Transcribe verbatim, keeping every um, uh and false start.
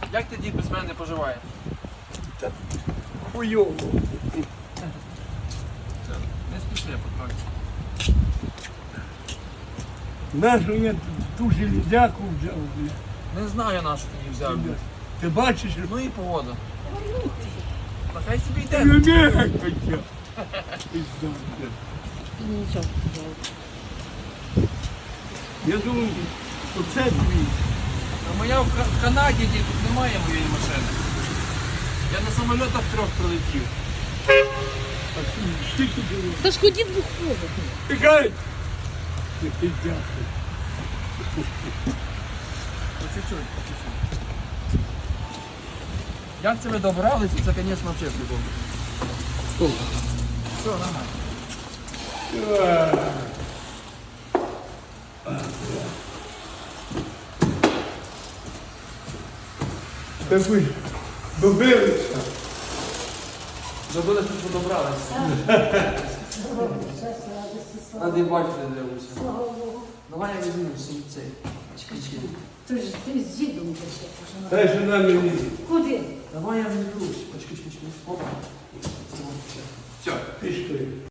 Як ти, дід, без мене поживаєш? Та хуйово. Не спіши, потрохи. Нашу я ту железяку взяв, бля. Не знаю, на що ти її взяв. дід. Ти бачиш, що Ну і погода. Та хай собі йде. не хоча. Пизда, бля. Нічого. Я думаю, оце твій. А моя в Ка- в Канаді, дід, тут немає моєї машини. Я на самольотах трьох прилетів. А ти скільки було? Та ж ходіть виходить. Тикай! Ти пизда. По чуть-чуть, по чуть-чуть. Як це ви добралися, це, звісно, взагалі прикольно. Все, нормально. Та ви добилися. Добилися, що добралися. А де бачите, дивлюся. Давай я візьму всі цей. Чекай-чекай. Ти ж ти з дідом пише. Дай сюди мені. Куди? Давай я візьму. Почекай, чекай, чекай. Опа. Все. Пішли.